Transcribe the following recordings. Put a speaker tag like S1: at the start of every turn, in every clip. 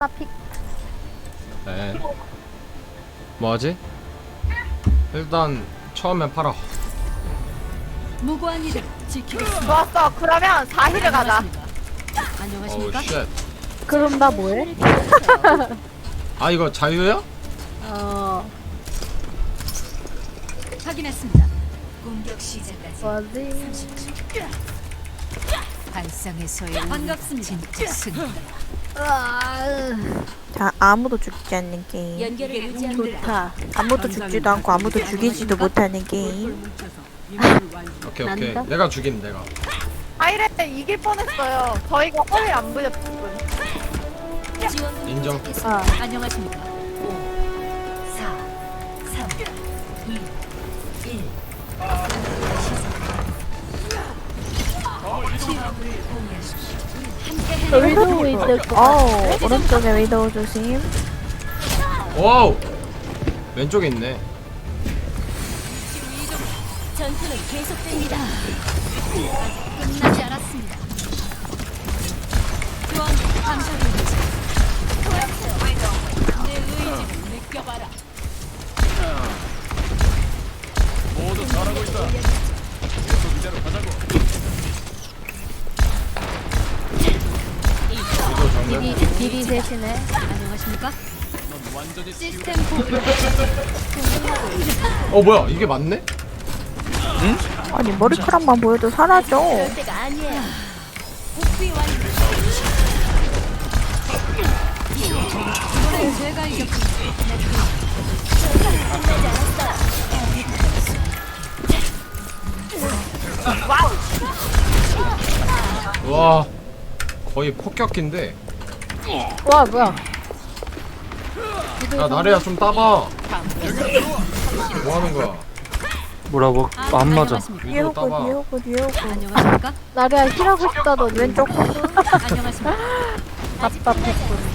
S1: 픽.
S2: 네. 뭐하지? 일단 처음엔 팔아.
S3: 무고한 이들 지키겠습니다.
S4: 좋았어. 그러면 4힐을 가자.
S2: 어우
S3: 안녕하십니까?
S2: 쉣.
S1: 그럼 나 뭐해?
S2: 아 이거 자유야?
S3: 확인했습니다. 공격 시작까지
S1: 뭐지?
S3: 30초. 발상에서의 반갑습니다. 진짜 승리.
S5: 자, 아무도 죽지 않는 게임.
S3: 연결을 유지합니다.
S1: 좋다.
S5: 아무도 죽지도 않고 아무도 죽이지도 못하는 게임.
S2: 오케이 오케이.
S1: 난다?
S2: 내가 죽임 내가.
S4: 4힐에 이길 뻔했어요. 저희가 허리 안 부렸거든.
S3: 지원
S2: 인정.
S1: 아.
S3: 안녕하십니까? 5, 4, 3, 2, 1.
S1: 위도 있을 것 같아.
S5: 오른쪽에 위도우 조심.
S2: 와우. 왼쪽에 있네.
S3: 전투는 계속됩니다. 끝나지 않았습니다. 교환 감사드립니다. 내 의지를 느껴봐라.
S6: 모두 잘하고 있다. 계속 이대로 가자고.
S2: 위도 정면.
S1: 딜이 셋이네.
S3: 안녕하십니까?
S6: 넌 완전히
S3: 시스템 복구.
S2: 뭐야 이게 맞네?
S5: 아니, 머리카락만 보여도 사라져.
S3: 때가 아니에요. 복귀 완료. 이번엔 제가 이겼습니다.
S2: 와 거의 폭격기인데.
S1: 와 뭐야?
S2: 야 나래야 좀 따봐. 뭐 하는 거야?
S7: 뭐라고? 안 맞아.
S5: 뒤에
S2: 위도
S5: 오고,
S2: 따봐.
S5: 뒤에 오고, 뒤에 오고.
S3: 안녕하십니까?
S1: 나래야 힐하고 싶다 너 왼쪽
S3: 안녕하십니까?
S1: 답답했군.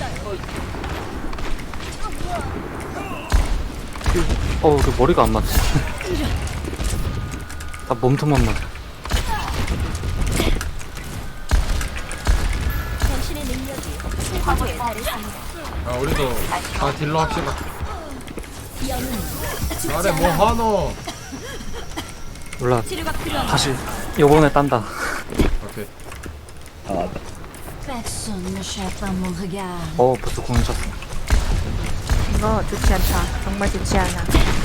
S7: 그 머리가 안 맞지. 나 몸통만 맞아.
S3: 당신의 능력이 최고조에 달했습니다.
S2: 야 우리도 다 딜러 합시다. 나래 뭐 하노?
S7: 몰라.
S3: 치료가 필요합니다.
S7: 다시 요번에 딴다.
S2: 오케이.
S3: Personne ne cherche à mon regard.
S7: 벌써 공연 쳤어.
S5: 이거 좋지 않다. 정말 좋지 않아.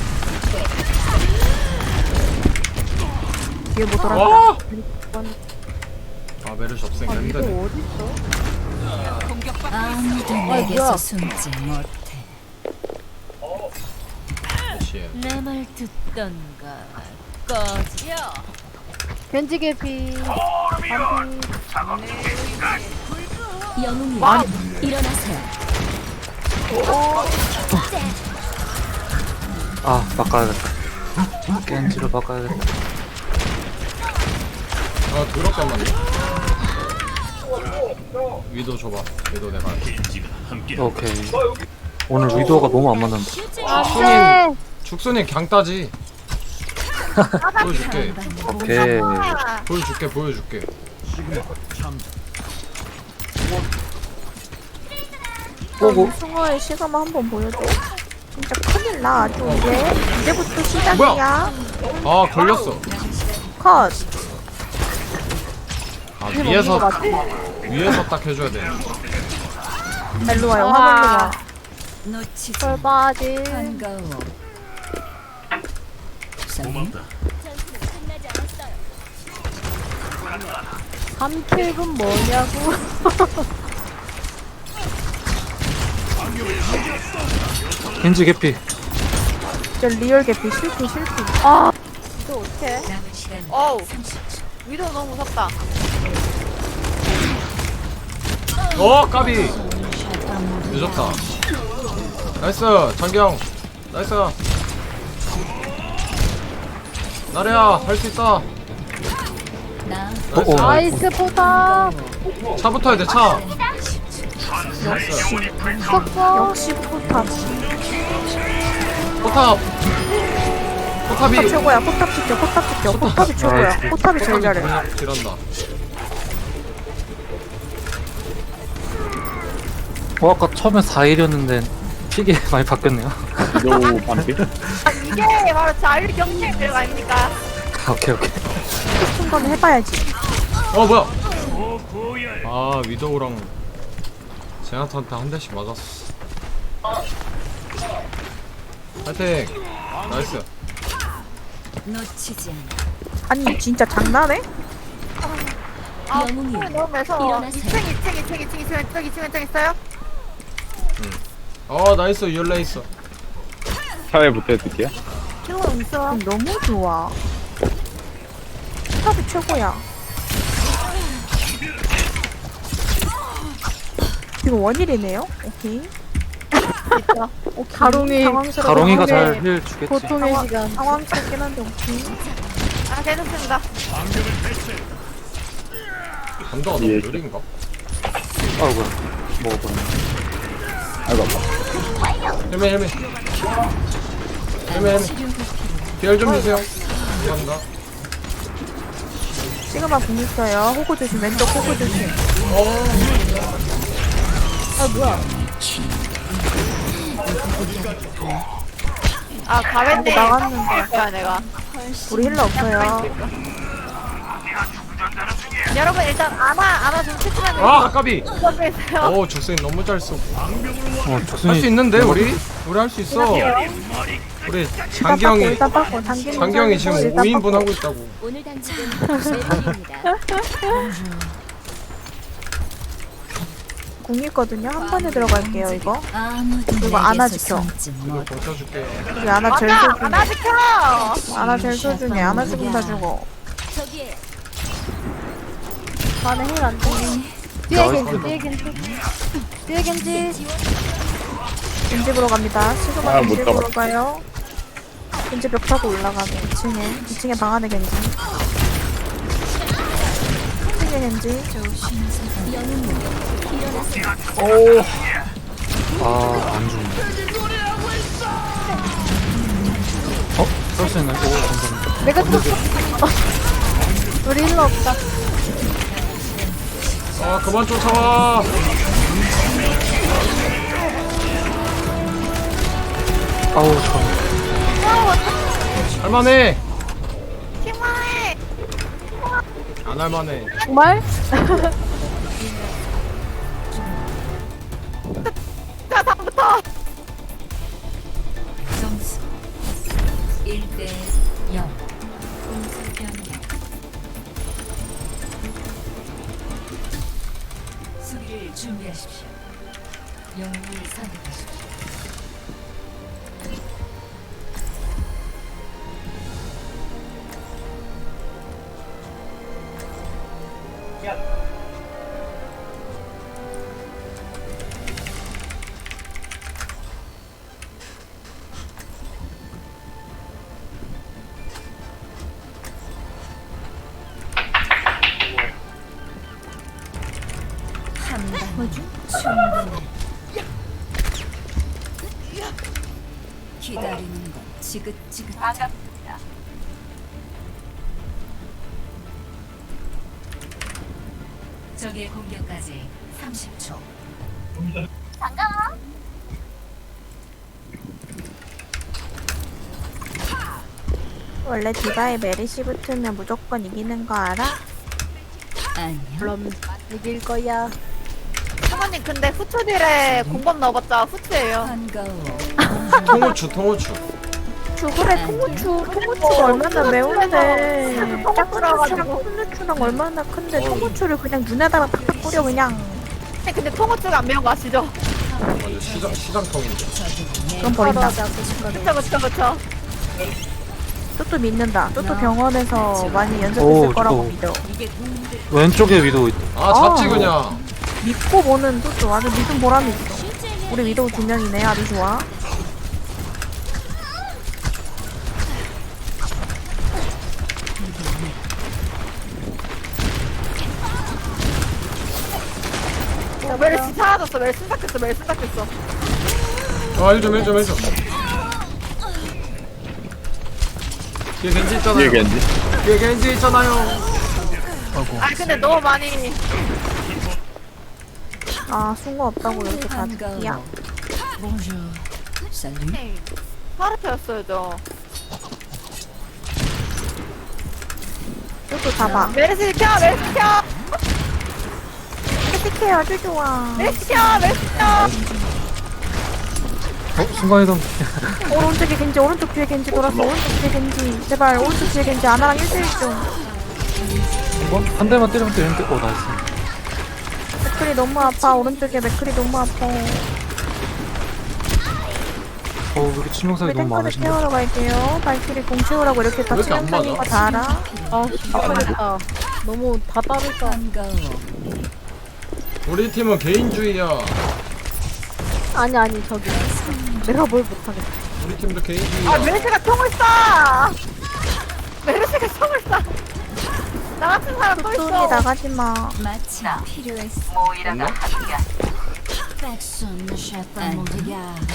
S5: 뒤에 뭐 돌았다.
S2: 와! 아 메르시 없으니까 힘드네.
S3: 아무도
S1: 뭐야.
S3: 내게서 숨지 못해.
S2: 그렇지.
S3: 내 말 듣던가 꺼지요.
S1: 견지 개피. 반피.
S3: 영웅이 일어나세요.
S7: 바꿔야겠다. 겐지로 바꿔야겠다.
S2: 아 더럽단 말이야. 위도 줘봐. 위도 내가 할게.
S7: 오케이. 오늘 위도가 너무 안 맞는다.
S1: 안돼.
S2: 죽순이 강 따지. 보여줄게.
S7: 오케이.
S2: 보여줄게.
S7: 오고.
S5: 승호의 시그마 한번 보여줘. 진짜 큰일 나. 아주 이제부터 시작이야.
S2: 뭐야? 아 걸렸어.
S5: 컷.
S2: 아 위에서 딱 해줘야 돼.
S5: 일로 와요. 화면으로 와.
S3: 놓치지
S1: 설바지.
S3: 반가워.
S6: 고맙다.
S1: 3킬은 뭐냐고.
S7: 겐지 개피.
S5: 진짜 리얼 개피 실패.
S1: 아. 또 어떡해?
S3: 남은 시간
S4: 어우.
S3: 30초.
S4: 위도 너무 무섭다.
S2: 까비. 늦었다. 나이스 장경. 나이스. 나래야 할 수 있다.
S3: 나
S1: 나이스 포탑.
S2: 차부터 해야 돼 차.
S1: 썩어.
S5: 역시 포탑.
S2: 포탑. 포탑이.
S5: 포탑 최고야. 포탑 지켜. 포탑이 최고야. 포탑이 제일 잘해.
S2: 딜한다.
S7: 아까 처음에 4일이었는데 픽이 많이 바뀌었네요.
S8: 위도우 반피?
S4: 이게 바로 자율 경쟁 매력 아닙니까?
S7: 오케이 오케이.
S5: 싶은 건 해봐야지.
S2: 어 뭐야? 아 위도우랑 제나타한테 한 대씩 맞았어. 파이팅! 나이스.
S3: 놓치지 않아.
S5: 아니 진짜 장난해?
S4: 아,
S3: 영웅이요.
S4: 너무 매서워.
S3: 일어나세요.
S4: 2층 있어요?
S2: 어 나이스 열레 있어.
S8: 사회 붙여줄게요.
S4: 지금 있어.
S5: 너무 좋아. 탑이 최고야. 지금 원일이네요. 오케이. 오케이.
S1: 가롱이-
S5: 당황스러워.
S7: 가롱이가
S1: 오케이.
S7: 잘 힐 주겠지.
S1: 보통의 시간.
S5: 당황스럽긴 한데 오케이.
S4: 아, 괜찮습니다.
S2: 감도가 너무
S8: 예.
S2: 느린가?
S7: 아이고 먹어버렸네.
S8: 아이고 아파.
S2: 헬멧. 비열 좀 주세요. 감사합니다.
S5: 시그마 공 있어요. 호구 조심. 왼쪽 호구 조심.
S4: 아, 가벤데
S5: 나갔는데.
S4: 거야, 내가.
S5: 우리 힐러 없어요.
S4: 여러분, 일단 아나 좀 채팅하면
S2: 아 까비.
S4: 있어요.
S2: 오 조스인 너무 잘 쏘고. 할 수
S7: 조순이
S2: 있는데 우리 할 수 있어. 우리 장기형이
S5: 일단 닦고 당기는
S2: 장기형이 지금
S5: 일단
S2: 5인분
S5: 닦고.
S2: 하고 있다고.
S3: 오늘 단식은 메리입니다.
S5: 궁 있거든요. 한 번에 들어갈게요 이거.
S3: 아무도
S5: 이거 안아
S3: 내게서
S5: 지켜.
S3: 숨지
S2: 이거
S3: 못.
S2: 버텨줄게.
S5: 우리 아나 제일
S4: 맞아!
S5: 소중해.
S4: 아나 지켜!
S5: 아나 제일 소중해. 아나 죽음 다 죽어.
S3: 저기에
S1: 나는 힐안 돼. 뒤에 겐지. 뒤에 겐지.
S5: 겐지 보러 갑니다. 시그마
S8: 아,
S5: 겐지
S8: 못
S5: 보러
S8: 잡았다.
S5: 가요. 겐지 벽 타고 올라가네. 2층에 방 안에 겐지. 2층에 겐지.
S7: 아안 죽네. 쏠 수 있나요? 오 감사합니다.
S1: 내가 쳤어. 우리 힐러 없다.
S2: 아 그만 쫓아와.
S7: 아우 저
S2: 할만해.
S4: 힘만해!
S2: 안 할만해.
S1: 정말?
S4: 자, 다음부터!
S3: 점수 1대 0. 공수 변경. 수비를 준비하십시오. 영웅을 선택하십시오. 한방 충분해. 기다리는 건 지긋지긋. 적의 공격까지 30초.
S5: 원래 디바에 메리시 붙으면 무조건 이기는 거 알아?
S3: 아니요.
S1: 그럼 이길 거야.
S4: 사모님, 근데 후추딜에 공범 넣어봤자 후추예요.
S3: 반가워.
S2: 통후추.
S5: 그래 통후추가 얼마나 매운데. 짝꿍이랑 통후추랑 얼마나 큰데 통후추를 그냥 눈에다가 팍팍 뿌려 그냥.
S4: 근데 통후추가 안 매운 거 아시죠?
S2: 맞아 시장통인데.
S5: 그럼 버린다.
S4: 그쵸.
S5: 또또 믿는다. 또또 병원에서 많이
S7: 오,
S5: 연습했을 거라고
S7: 또.
S5: 믿어.
S7: 왼쪽에 위도 있다.
S2: 아 잡지 그냥.
S5: 믿고 보는 또또 아주 믿음 보람이 있어. 우리 위도우 2명이네. 아주 좋아.
S4: 멜시 사라졌어. 멜시 싹했어.
S2: 아 1점. 뒤에 겐지 있잖아요.
S8: 뒤에 겐지.
S2: 뒤에 겐지 있잖아요.
S4: 아, 근데 너무 많이.
S5: 아 숭어 없다고 이렇게 다 듣기야.
S3: Bonjour. Salut.
S4: 파르페였어요.
S5: 이것도 잡아.
S4: 메르시 켜, 메르시 켜,
S5: 어떻게 아주 좋아.
S4: 메르시 켜, 메르시 켜.
S7: 순간이동.
S5: 오른쪽에 겐지, 오른쪽 뒤에 겐지 돌았어. 오른쪽 뒤에 겐지. 제발 오른쪽 뒤에 겐지 아나랑 1대1 좀.
S7: 한 대만 때리면 되는데. 나이스.
S5: 맥클이 너무 아파. 오른쪽에 맥클이 너무 아파.
S7: 왜 이렇게 치명상이 너무
S5: 탱크를
S7: 많으신데.
S5: 태우러 갈게요. 발키리 공 채우라고 이렇게 다
S2: 왜 이렇게 안
S5: 치명상인
S2: 맞아?
S5: 거 다 알아.
S1: 아프겠다. 너무 다 다르다.
S3: 반가워.
S2: 우리 팀은 개인주의야.
S1: 아니 저기 내가 뭘 못하겠어.
S2: 우리 팀도 개인주의야.
S4: 아, 메르시가 총을 쏴. 메르시가 총을 쏴. 나 같은 사람 또
S5: 뚝뚝이
S4: 있어.
S5: 나가지 마.
S3: 마침 필요했어.
S2: 됐나?
S3: Personne ne chatte à mon regard.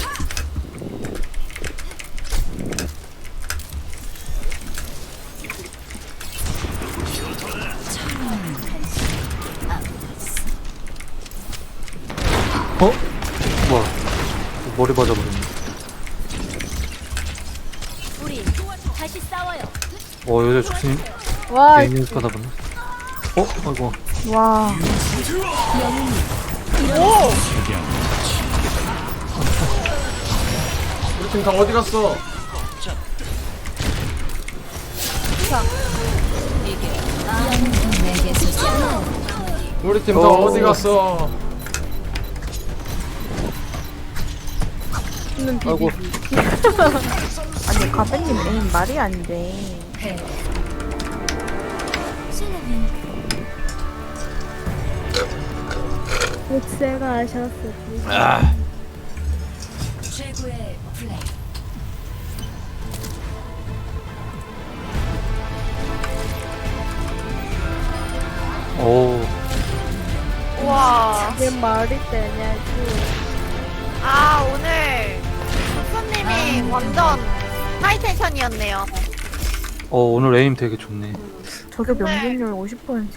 S7: 뭐야. 머리 맞아버렸네.
S3: 우리 다시 싸워요.
S7: 여자 죽신
S1: 와
S7: 개인 연습하다 보네. 아이고.
S5: 와.
S2: 우리 팀 다 어디 갔어?
S3: 내게서
S2: 우리 팀 다 어디 갔어?
S7: 아이고.
S5: 아니 가베님 에임 말이 안 돼.
S1: 옥새가 하셨어.
S3: 최고의 플레이.
S7: 오.
S4: 와.
S1: 내 말이 되냐고.
S4: 아, 오늘 손님이 완전 하이텐션이었네요.
S7: 오늘 에임 되게 좋네.
S5: 저게 명중률 50%.